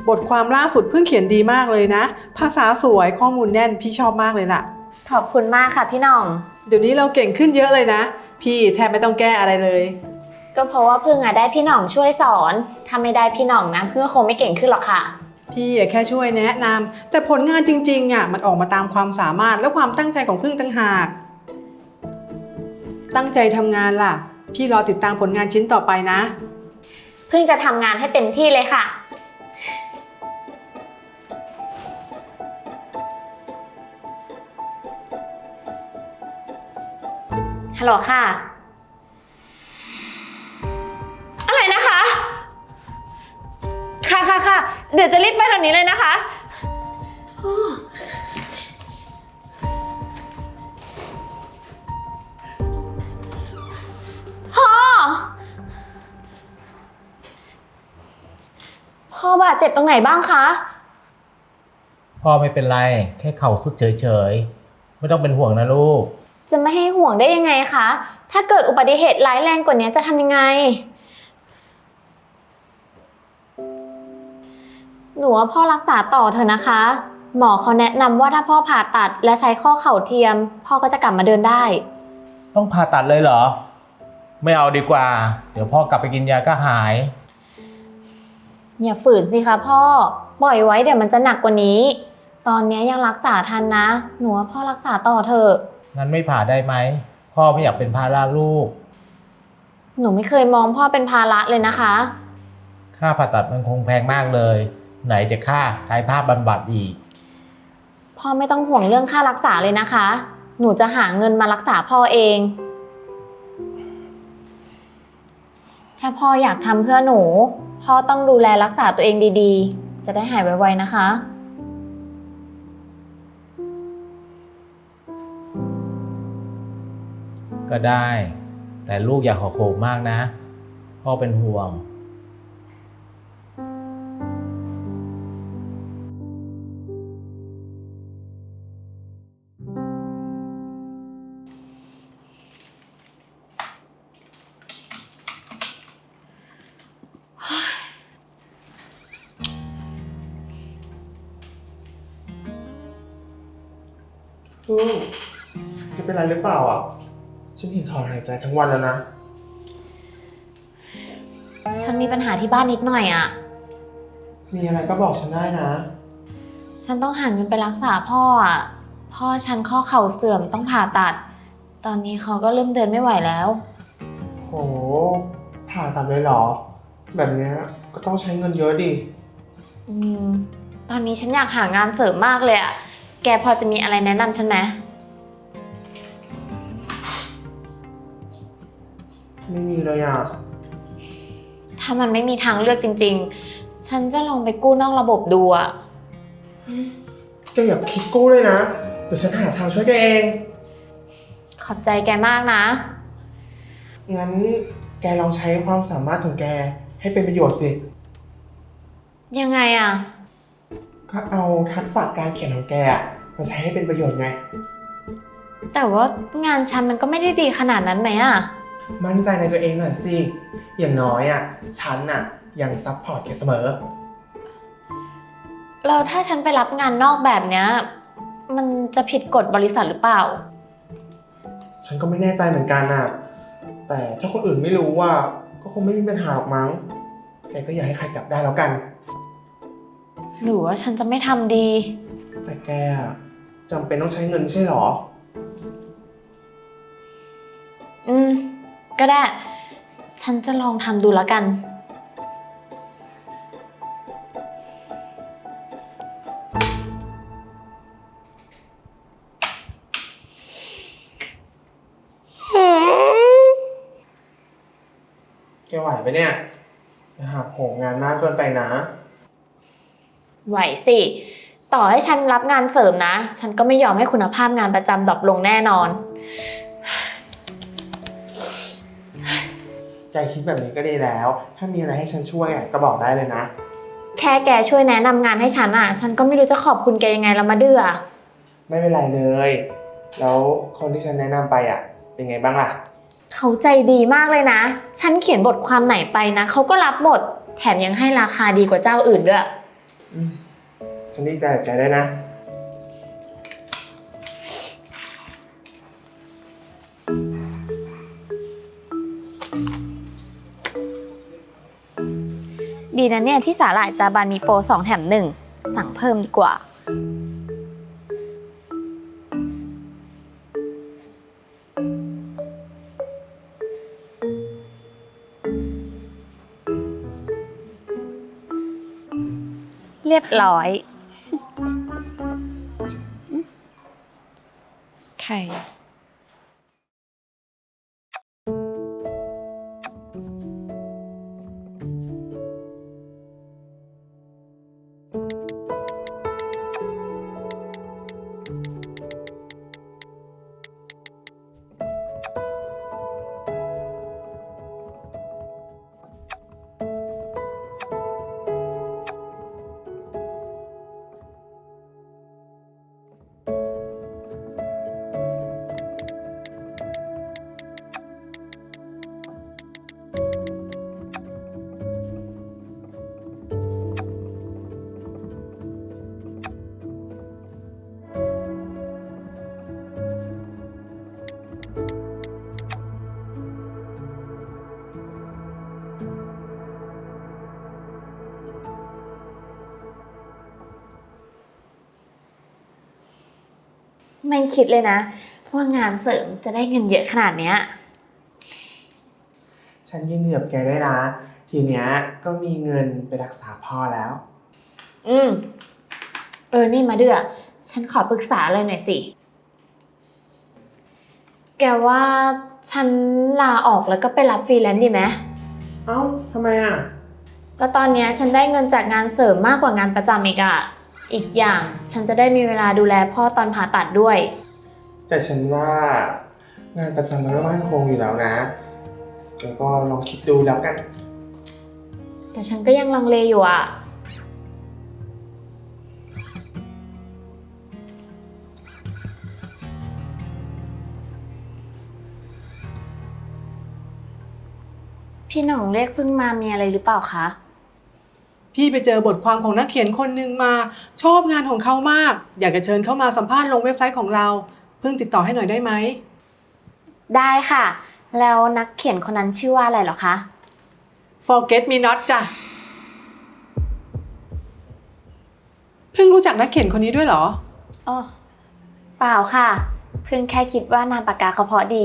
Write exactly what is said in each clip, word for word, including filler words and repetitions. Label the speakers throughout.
Speaker 1: บทความล่าสุดเพิ่งเขียนดีมากเลยนะภาษาสวยข้อมูลแน่นพี่ชอบมากเลยล่ะ
Speaker 2: ขอบคุณมากค่ะพี่หน่อง
Speaker 1: เดี๋ยวนี้เราเก่งขึ้นเยอะเลยนะพี่แทบไม่ต้องแก้อะไรเลย
Speaker 2: ก็เพราะว่าพึ่งอะได้พี่หน่องช่วยสอนถ้าไม่ได้พี่หน่องนะพึ่งคงไม่เก่งขึ้นหรอกค่ะ
Speaker 1: พี่แค่ช่วยแนะนำแต่ผลงานจริงๆอ่ะมันออกมาตามความสามารถและความตั้งใจของพึ่งต่างหากตั้งใจทำงานล่ะพี่รอติดตามผลงานชิ้นต่อไปนะ
Speaker 2: พึ่งจะทำงานให้เต็มที่เลยค่ะฮัลโหลค่ะอะไรนะคะค่ะค่ะค่ะเดี๋ยวจะรีบไปตอนนี้เลยนะคะพ่อพ่อบาดเจ็บตรงไหนบ้างคะ
Speaker 3: พ่อไม่เป็นไรแค่เข่าสุดเฉยๆไม่ต้องเป็นห่วงนะลูก
Speaker 2: จะไม่ให้ห่วงได้ยังไงคะถ้าเกิดอุบัติเหตุร้ายแรงกว่านี้จะทำยังไงหนูว่าพ่อรักษาต่อเถอะนะคะหมอเขาแนะนำว่าถ้าพ่อผ่าตัดและใช้ข้อเข่าเทียมพ่อก็จะกลับมาเดินได้
Speaker 3: ต้องผ่าตัดเลยเหรอไม่เอาดีกว่าเดี๋ยวพ่อกลับไปกินยาก็หาย
Speaker 2: อย่าฝืนสิคะพ่อปล่อยไว้เดี๋ยวมันจะหนักกว่านี้ตอนนี้ยังรักษาทันนะหนูว่าพ่อรักษาต่อเถอะ
Speaker 3: งั้นไม่ผ่าได้ไหมพ่อไม่อยากเป็นภาระลูก
Speaker 2: หนูไม่เคยมองพ่อเป็นภาระเลยนะคะ
Speaker 3: ค่าผ่าตัดมันคงแพงมากเลยไหนจะค่ากายภาพบำบัดอีก
Speaker 2: พ่อไม่ต้องห่วงเรื่องค่ารักษาเลยนะคะหนูจะหาเงินมารักษาพ่อเองถ้าพ่ออยากทำเพื่อหนูพ่อต้องดูแลรักษาตัวเองดีๆจะได้หายไวๆนะคะ
Speaker 3: ก็ได้แต่ลูกอย่าขอโขมมากนะพ่อเป็นห่วง
Speaker 4: พึ่งแกเป็นไรหรือเปล่าอ่ะฉันเห็นถอนหายใจทั้งวันแล้วนะ
Speaker 2: ฉันมีปัญหาที่บ้านนิดหน่อยอ่ะ
Speaker 4: มีอะไรก็บอกฉันได้นะ
Speaker 2: ฉันต้องหาเงินไปรักษาพ่ออ่ะพ่อฉันข้อเข่าเสื่อมต้องผ่าตัดตอนนี้เขาก็เริ่มเดินไม่ไหวแล้ว
Speaker 4: โหผ่าตัดเลยเหรอแบบเนี้ยก็ต้องใช้เงินเยอะดิ
Speaker 2: อืมตอนนี้ฉันอยากหางานเสริมมากเลยอ่ะแกพอจะมีอะไรแนะนำฉันไหม
Speaker 4: ไม่มีเลยอ่ะ
Speaker 2: ถ้ามันไม่มีทางเลือกจริงๆฉันจะลองไปกู้นอกระบบดูอ่ะ
Speaker 4: แกอย่าคิดกู้เลยนะเดี๋ยวฉันหาทางช่วยแกเอง
Speaker 2: ขอบใจแกมากนะ
Speaker 4: งั้นแกลองใช้ความสามารถของแกให้เป็นประโยชน์สิ
Speaker 2: ยังไงอ่ะ
Speaker 4: ก็เอาทักษะการเขียนของแกมาใช้ให้เป็นประโยชน์ไง
Speaker 2: แต่ว่างานฉันมันก็ไม่ได้ดีขนาดนั้นไหมอ่ะ
Speaker 4: มั่นใจในตัวเองหน่อยสิอย่างน้อยอ่ะฉันน่ะยังซัพพอร์ตแกเสมอ
Speaker 2: แล้วถ้าฉันไปรับงานนอกแบบเนี้ยมันจะผิดกฎบริษัทหรือเปล่า
Speaker 4: ฉันก็ไม่แน่ใจเหมือนกันน่ะแต่ถ้าคนอื่นไม่รู้ว่าก็คงไม่มีปัญหาหรอกมั้งแกก็อย่าให้ใครจับได้แล้วกัน
Speaker 2: หรือว่าฉันจะไม่ทำดี
Speaker 4: แต่แกจำเป็นต้องใช้เงินใช่หรอ
Speaker 2: อืมก็ได้ฉันจะลองทำดูแล้วกัน
Speaker 4: แกไหวไหมเนี่ยอย่าหักโหมงานมากเกินไปนะ
Speaker 2: ไหวสิต่อให้ฉันรับงานเสริมนะฉันก็ไม่ยอมให้คุณภาพงานประจำดรอปลงแน่นอน
Speaker 4: แกคิดแบบนี้ก็ดีแล้วถ้ามีอะไรให้ฉันช่วยก็บอกได้เลยนะ
Speaker 2: แค่แกช่วยแนะนำงานให้ฉันอ่ะฉันก็ไม่รู้จะขอบคุณแกยังไงแล้วมาเดือ
Speaker 4: ไม่เป็นไรเลยแล้วคนที่ฉันแนะนำไปอ่ะเป็นไงบ้างล่ะ
Speaker 2: เขาใจดีมากเลยนะฉันเขียนบทความไหนไปนะเขาก็รับหมดแถมยังให้ราคาดีกว่าเจ้าอื่นด้วย
Speaker 4: อืมฉันดีใจกับแกได้วยนะ
Speaker 2: ดีนะเนี่ยที่สาหร่ายจาบันมีโปรสองแถมหนึ่งสั่งเพิ่มดีกว่า เรียบร้อยไข่ ไม่คิดเลยนะว่างานเสริมจะได้เงินเยอะขนาดเนี้ย
Speaker 4: ฉันยินดีกับแกด้วยนะ ทีเนี้ยก็มีเงินไปรักษาพ่อแล้ว
Speaker 2: อืม เออ นี่มาเดือฉันขอปรึกษาเลยหน่อยสิ แกว่าฉันลาออกแล้วก็ไปรับฟรีแลนซ์ดีไหม
Speaker 4: เอ้าทำไมอ่ะ
Speaker 2: ก็ตอนเนี้ยฉันได้เงินจากงานเสริมมากกว่างานประจำอีกอะอีกอย่างฉันจะได้มีเวลาดูแลพ่อตอนผ่าตัดด้วย
Speaker 4: แต่ฉันว่างานประจำมันก็มั่นคงอยู่แล้วนะแล้วก็ลองคิดดูแล้วกัน
Speaker 2: แต่ฉันก็ยังลังเลอยู่อะพี่หน่องเรียกเพิ่งมามีอะไรหรือเปล่าคะ
Speaker 1: พี่ไปเจอบทความของนักเขียนคนหนึ่งมาชอบงานของเขามาก อยากจะเชิญเข้ามาสัมภาษณ์ลงเว็บไซต์ของเราเพิ่งติดต่อให้หน่อยได้ไหม
Speaker 2: ได้ค่ะ แล้วนักเขียนคนนั้นชื่อว่าอะไรเหรอคะ
Speaker 1: Forget Me Not จ้ะเพิ่งรู้จักนักเขียนคนนี้ด้วยเหรอ
Speaker 2: อ๋อ เปล่าค่ะ เพิ่งแค่คิดว่านามปากกาเขาเพราะดี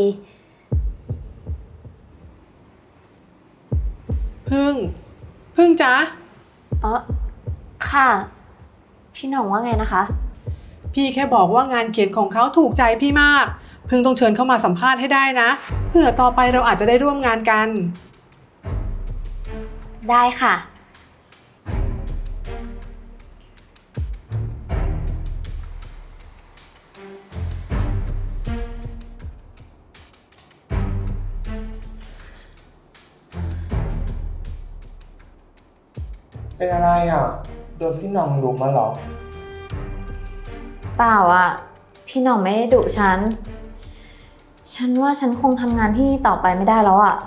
Speaker 1: พึ่งพึ่งจ๊ะ
Speaker 2: อ๋อ ค่ะ พี่หน่องว่าไงนะคะ
Speaker 1: พี่แค่บอกว่างานเขียนของเขาถูกใจพี่มาก พึ่งต้องเชิญเข้ามาสัมภาษณ์ให้ได้นะเผื่อต่อไปเราอาจจะได้ร่วมงานกัน
Speaker 2: ได้ค่ะ
Speaker 4: เป็นอะไรอ่ะ โดนพี่หน้องลุกมาเหรอ
Speaker 2: เปล่าอะพี่หน่องไม่ได้ดุฉัน ฉันว่าฉันคงทำงานที่นี่ต่อไปไม่ได้แล้วอะ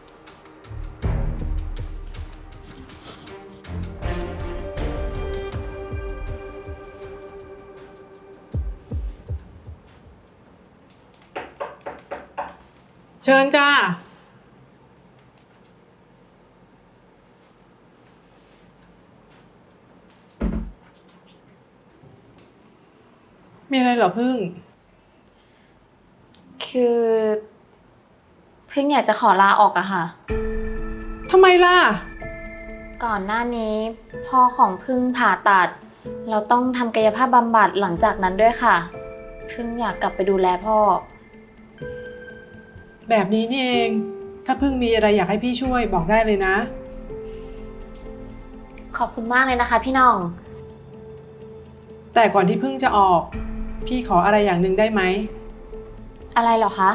Speaker 1: เชิญจ้ามีอะไรเหรอพึ่ง
Speaker 2: คือเพิ่งอยากจะขอลาออกอะค่ะ
Speaker 1: ทำไมล่ะ
Speaker 2: ก่อนหน้านี้พ่อของพึ่งผ่าตัด เราต้องทำกายภาพบำบัดหลังจากนั้นด้วยค่ะ พึ่งอยากกลับไปดูแลพ่อ
Speaker 1: แบบนี้นี่เอง ถ้าพึ่งมีอะไรอยากให้พี่ช่วยบอกได้เลยนะ
Speaker 2: ขอบคุณมากเลยนะคะพี่หน้อง
Speaker 1: แต่ก่อนที่พึ่งจะออก พี่ขออะไรอย่างหนึ่งได้ไหม
Speaker 2: อะไรเหรอคะ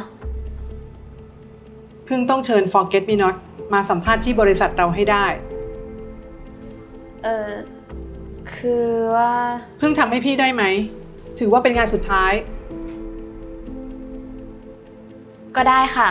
Speaker 1: พึ่งต้องเชิญ Forget Me Not มาสัมภาษณ์ที่บริษัทเราให้ได้
Speaker 2: เออคือว่า
Speaker 1: พึ่งทำให้พี่ได้ไหม ถือว่าเป็นงานสุดท้าย
Speaker 2: ก็ได้ค่ะ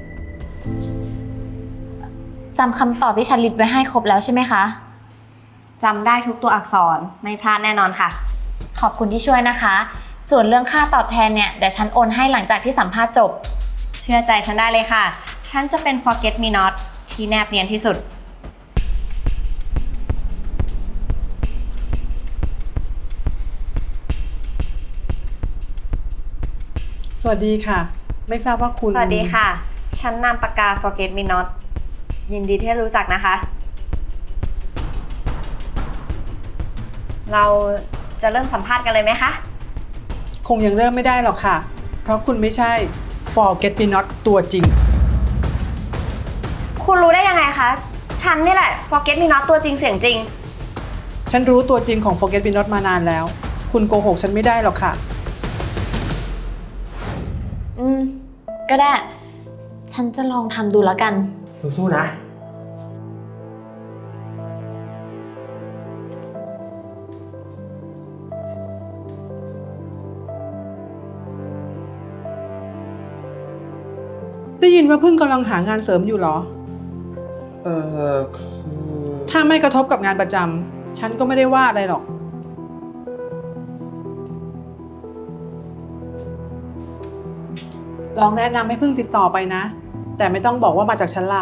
Speaker 2: จำคำตอบที่ฉันลิสต์ไว้ให้ครบแล้วใช่ไหมคะ
Speaker 5: จำได้ทุกตัวอักษรไม่พลาดแน่นอนค่ะ
Speaker 2: ขอบคุณที่ช่วยนะคะ ส่วนเรื่องค่าตอบแทนเนี่ยเดี๋ยวฉันโอนให้หลังจากที่สัมภาษณ์จบ
Speaker 5: เชื่อใจฉันได้เลยค่ะ ฉันจะเป็น forget me not ที่แนบเนียนที่สุด
Speaker 1: สวัสดีค่ะ ไม่ทราบว่าคุณ
Speaker 5: สวัสดีค่ะ ฉันนามปากกา forget me not ยินดีที่รู้จักนะคะ เราจะเริ่มสัมภาษณ์กันเลยไหมคะ
Speaker 1: คงยังเริ่มไม่ได้หรอกค่ะ เพราะคุณไม่ใช่ Forget Me Not ตัวจริง
Speaker 5: คุณรู้ได้ยังไงคะ ฉันนี่แหละ forget me not ตัวจริงเสียงจริง
Speaker 1: ฉันรู้ตัวจริงของ Forget Me Not มานานแล้ว คุณโกหกฉันไม่ได้หรอกค่ะ
Speaker 2: อืม ก็ได้ ฉันจะลองทำดูแล้วกัน
Speaker 4: สู้ๆนะ
Speaker 1: ได้ยินว่าเพิ่งกำลังหางานเสริมอยู่เหรอ
Speaker 4: เออคือ
Speaker 1: ถ้าไม่กระทบกับงานประจำฉันก็ไม่ได้ว่าอะไรหรอก ลองแนะนำให้เพิ่งติดต่อไปนะ แต่ไม่ต้องบอกว่ามาจากฉันล่ะ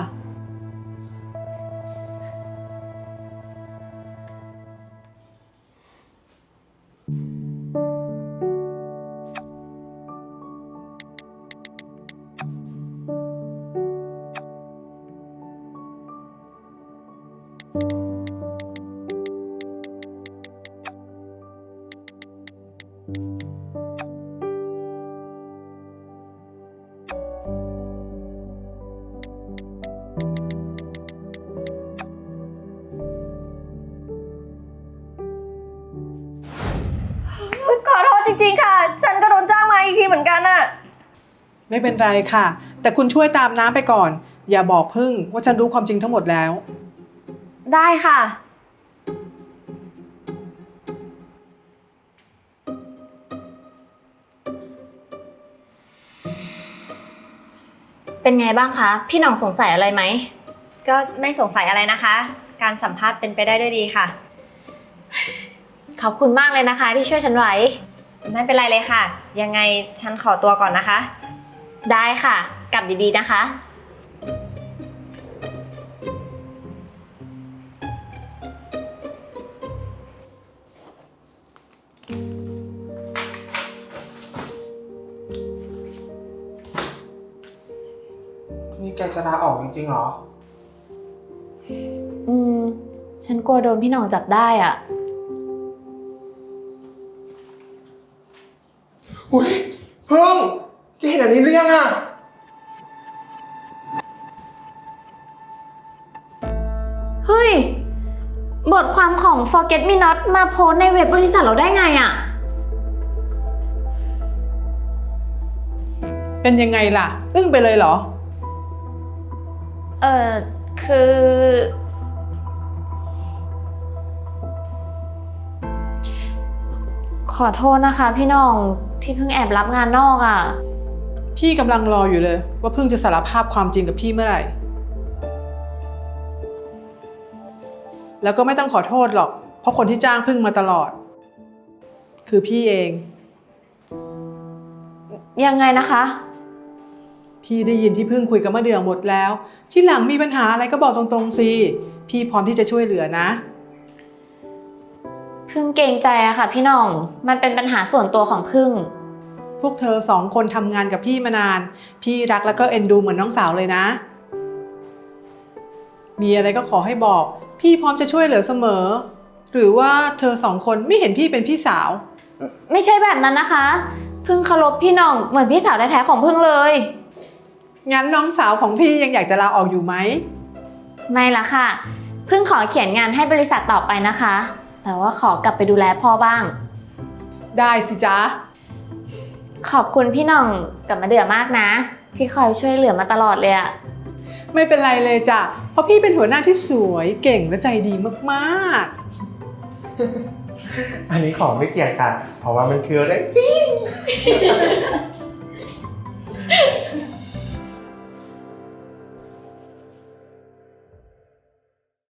Speaker 5: ขอโทษจริงๆค่ะ ฉันก็โดนจ้างมาอีกทีเหมือนกันอะ
Speaker 1: ไม่เป็นไรค่ะ แต่คุณช่วยตามน้ำไปก่อน อย่าบอกพึ่งว่าฉันรู้ความจริงทั้งหมดแล้ว
Speaker 5: ได้ค่ะ
Speaker 2: เป็นไงบ้างคะ พี่หน่องสงสัยอะไรไหม
Speaker 5: ก็ไม่สงสัยอะไรนะคะ การสัมภาษณ์เป็นไปได้ด้วยดีค่ะ
Speaker 2: ขอบคุณมากเลยนะคะที่ช่วยฉันไว้
Speaker 5: ไม่เป็นไรเลยค่ะ ยังไงฉันขอตัวก่อนนะคะ
Speaker 2: ได้ค่ะ กลับดีๆนะคะ
Speaker 4: นี่แกจะลาออกจริงๆเหรอ
Speaker 2: อืม ฉันกลัวโดนพี่หน่องจับได้อ่ะ
Speaker 4: อุ้ยเพิ่งแกเห็นอันนี้หรือยังอะ
Speaker 2: เฮ้ย บทความของ Forget Me Not มาโพสต์ในเว็บบริษัทเราได้ไงอ่ะ
Speaker 1: เป็นยังไงล่ะ อึ้งไปเลยเหรอ
Speaker 2: เออคือ ขอโทษนะคะพี่หน่องที่เพิ่งแอบรับงานนอกอ่ะ
Speaker 1: พี่กำลังรออยู่เลย ว่าพึ่งจะสารภาพความจริงกับพี่เมื่อไหร่ แล้วก็ไม่ต้องขอโทษหรอก เพราะคนที่จ้างพึ่งมาตลอด คือพี่เอง
Speaker 2: ยังไงนะคะ
Speaker 1: พี่ได้ยินที่พึ่งคุยกับมะเดื่อหมดแล้ว ที่หลังมีปัญหาอะไรก็บอกตรงๆสิพี่พร้อมที่จะช่วยเหลือนะ
Speaker 2: พึ่งเกรงใจอะค่ะพี่หน่อง มันเป็นปัญหาส่วนตัวของพึ่ง
Speaker 1: พวกเธอสองคนทำงานกับพี่มานาน พี่รักแล้วก็เอ็นดูเหมือนน้องสาวเลยนะ มีอะไรก็ขอให้บอก พี่พร้อมจะช่วยเหลือเสมอ หรือว่าเธอสองคนไม่เห็นพี่เป็นพี่สาว
Speaker 2: ไม่ใช่แบบนั้นนะคะ พึ่งเคารพพี่หน่องเหมือนพี่สาวแท้ๆของพึ่งเลย
Speaker 1: งั้นน้องสาวของพี่ยังอยากจะลาออกอยู่ไหม
Speaker 2: ไม่ละค่ะ พึ่งขอเขียนงานให้บริษัทต่อไปนะคะ แต่ว่าขอกลับไปดูแลพ่อบ้าง
Speaker 1: ได้สิจ๊ะ
Speaker 2: ขอบคุณพี่หน่องกับมาเดือมากนะ ที่คอยช่วยเหลือมาตลอดเลยอะ
Speaker 1: ไม่เป็นไรเลยจ้ะ เพราะพี่เป็นหัวหน้าที่สวยเก่งและใจดีมาก
Speaker 4: อันนี้ของไม่เกี่ยงกัน เพราะว่ามันคือเรื่องจริง
Speaker 1: ๆ